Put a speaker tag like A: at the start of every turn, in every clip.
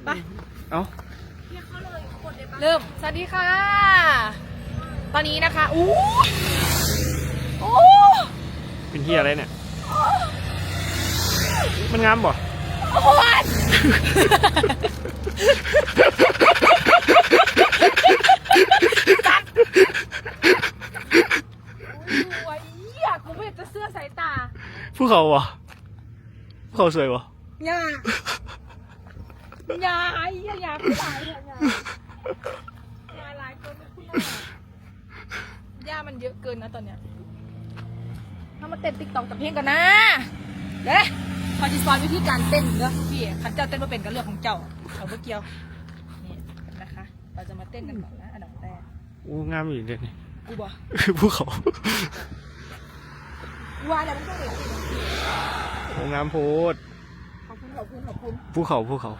A: ไป
B: เอ้า
A: เริ่มสวัสดีค่ะตอนนี้นะคะอู้
B: เป็นเฮียอะไรเนี่ยมันงามบ่
A: โอ้ยโอ้ยอยากกูไม่อยากจะเสื้อสายตา
B: ภูเขาบ่ภูเขาสวยบ่
A: อย่าผู้ชายเนี่ยอย่าหลายคนคุณย่ามันเยอะเกินนะตอนเนี้ยถ้ามาเต้นติ๊กต็อกกับเพลงกันนะเด้พอจะสอนวิธีการเต้นเด้อพี่ขันเจ้าเต้นมาเป็นกันเรื่องของเจ้าเขาไม่เกี่ยวนี่นะคะเราจะมาเต้นกันก่อนนะอันดับแรก
B: โอ้งามอยู่เด็ดนี่
A: กูบอก
B: ภูเขา
A: ว่าแล้วมันก็เลย
B: โอ้งามโพด
A: ขอบคุณ
B: ภูเขา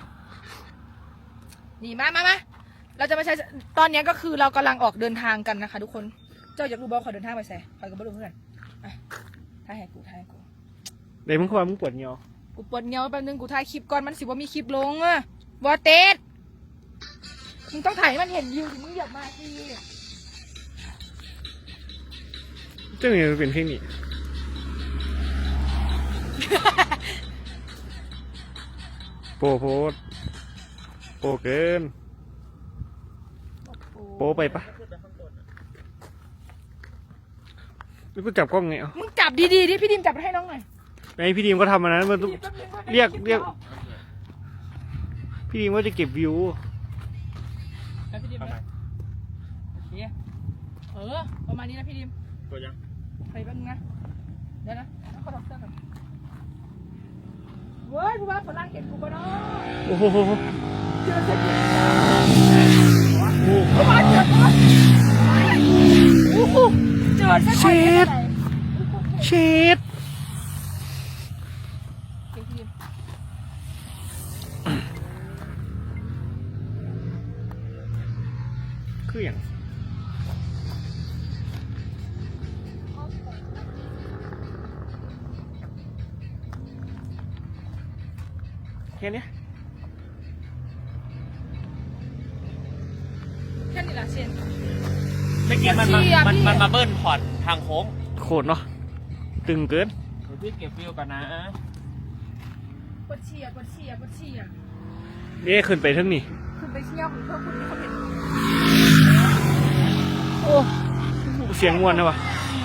A: นี่มาเราจะมาใช้ตอนนี้ก็คือเรากำลังออกเดินทางกันนะคะทุกคนเจ้าอยากรู้บอกขอเดินทางไปใส่ขอกับบ้านเพื่อนถ่ายให้กู
B: เดี๋ยวมึงเข้ามามึงปวดเงียว
A: กูปวดเงียวแป๊บนึงกูถ่ายคลิปก่อนมันสิว่ามีคลิปลงอะวอเต็ดมึงต้องถ่ายให้มันเห็นวิวถึงมึงอยากมาสิ
B: เจ้าเนี่ยเป็นเพลงนี้โปเกินโปไปปะแล้วกูจับกล้องไงอ่ะ
A: มึงจับดีๆดิพี่ดิมจับให้น้องหน่อย
B: ไอพี่ดีมก็ทำมานะมันต้องเรียกพี่ดีมว่าจะเก็บวิว
A: ประมาณนี้นะพี่ดิม
B: ตัวยัง
A: ไปแป๊บนึงนะเดี๋ยวนะขอถอดเสื้อก่อนเว้ยผู้ว่าฝรั่งเห็นกูปะเนาะ
B: โอ้โห
A: เจอเส้น
B: เช็ดคืออย่างแค่นี้
A: แหละเช่น
C: ไม่เก็บมันมาเบิ้ลพอร์ตทางโค้ง
B: โคตรเนาะตึงเกิน
C: เดี๋ยวพี่เก็บวิวกันนะ
A: ปวดเฉีย
B: เด้ขึ้นไปทั้งนี้
A: ขึ้นไปเชี่ยวของพวกคุณที่เขาเห็น
B: โอ้เสียงม่วนนะวะ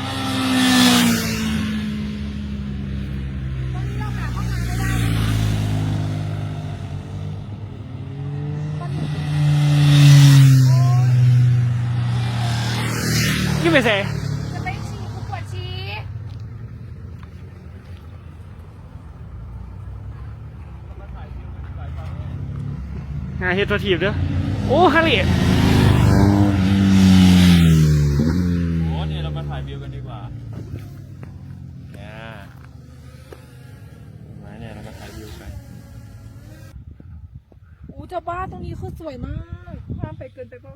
B: นี่ไม่ใช่
A: จะไปฉี่กูปวดฉี่
B: งานเฮดตัวทีบเด้อโอ้ฮาริ
C: โอ้เนี่ยเรามาถ่ายวิวกันดีกว่าเนี่ยเรามาถ่ายวิวกัน
A: อู้เจ้าบ้านตรงนี้คือสวยมากความไปเกินไปป่ะ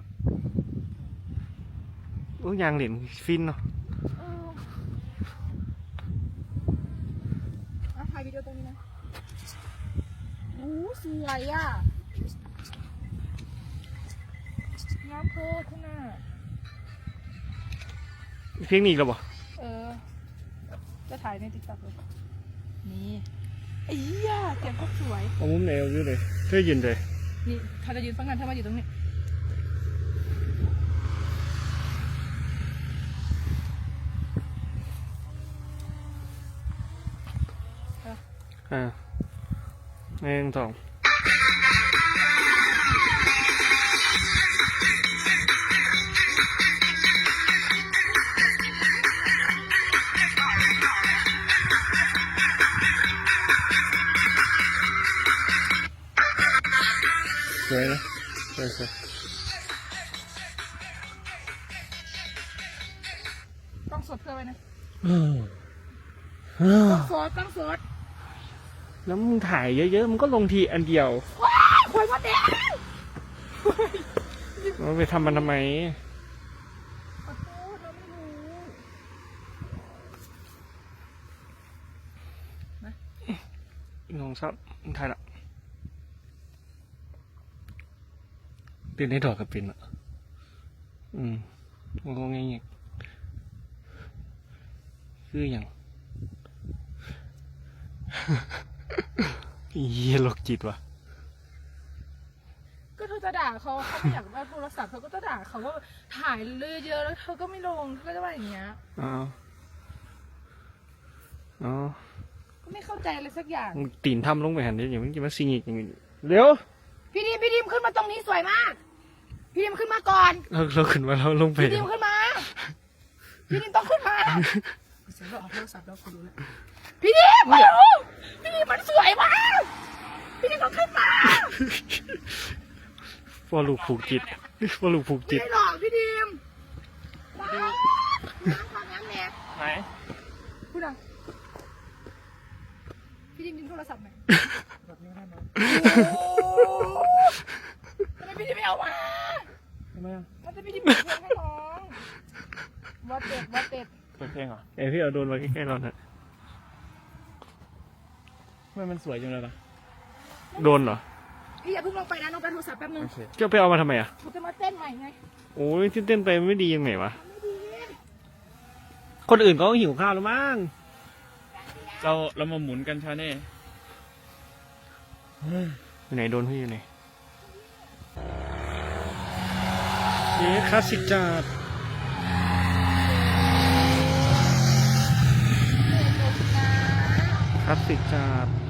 B: โอ้ยางเหรียญฟินเนาะ
A: ถ่ายวิดีโอตรงนี้นะอู้สวยอ่ะน้ำโพขึ้นหน้า
B: เพลงนี้หรอบ่
A: จะถ่ายในติ๊กต็อกเลยนี่ไอ้ย่าเสียงก็สวย
B: เอามุมไหนเอาอยู่เลยช่วยยืนเลย
A: นี่ถ้าจะยืนฟังกันถ้ามาอยู่ตรงนี้
B: 1 2สวยนะสวย
A: ต้องสดเพื่อไว้นะต้องสด
B: แล้วมึงถ่ายเยอะๆมึงก็ลงทีอันเดียว
A: ว้าวคอยมาเด็ก
B: เราไปทำมันทำไม
A: ขอโทษเราไม่รู้
B: น้องซับมึงถ่ายละเป็นได้ดอกกับเป็นอ่ะมันก็ง่ายๆคืออย่าง เยี่ยโรคจิตว่ะ
A: ก็เธอจะด่าเขาไม่อยากได้โทรศัพท์เธอก็จะด่าเขาว่าถ่ายเลยเยอะแล้วเธอก็ไม่ลงเธอก็จะว่าอย่างเงี้ย
B: อ๋อ
A: ก็ไม่เข้าใจอะไรสักอย่าง
B: มึงตีนทำลงไปหันดิอย่างมึงจะมาซิงอีกอย่างนี้เร็ว
A: พี่ดิมขึ้นมาตรงนี้สวยมากพี่ดิมขึ้นมาก่อน
B: เราขึ้นมาเราลงไป
A: พี่ดิมขึ้นมาพี่ดิมต้องขึ้นมาเสียงเราออกโทรศัพท์แล้วคุณรู้แล้วพี่ดิมมาดูพี่ดิมมันสวยมากพี่ดิมต้องขึ้นมา
B: ว่าลูกผูกจิตว่าลูกผูก
A: ไม่
B: จิต
A: ได้หรอกพี่ดิมน้ำความน้ำแน่
C: ไหน
A: พูดดังพี่ดิมดึงโทรศัพท์ไหมทำไมพี่ดิมไม่เอามา
C: ทำไมอ่ะ
A: มันจะพี่ดิมเปิดเพลงให้น้องวัดเด็ด
C: เปิดเพลงเหรอ
B: พี่เอาโดนมาใกล้ๆเราน่ะ
C: ทำไมมันสวยจังเลยล่ะ
B: โดนเหรอ
A: พี่อย่าเพิ่งลงไปนะน้องไปโทรศัพท์แป๊บนึง
C: โอเค
B: จะไปเอามาทำไมอ่ะ
A: ผมจะมาเต้นใหม่ไง
B: โอ้ยที่เต้นไปไม่ดียังไงวะ
A: ไม่ดี
B: คนอื่นก็หิวข้าวแล้วมั้ง
C: เรามาหมุนกันชาเน่
B: อยู่ไหนโดนพี่อยู่ไหนเย้คลาสสิกจัดคลาสสิกจัด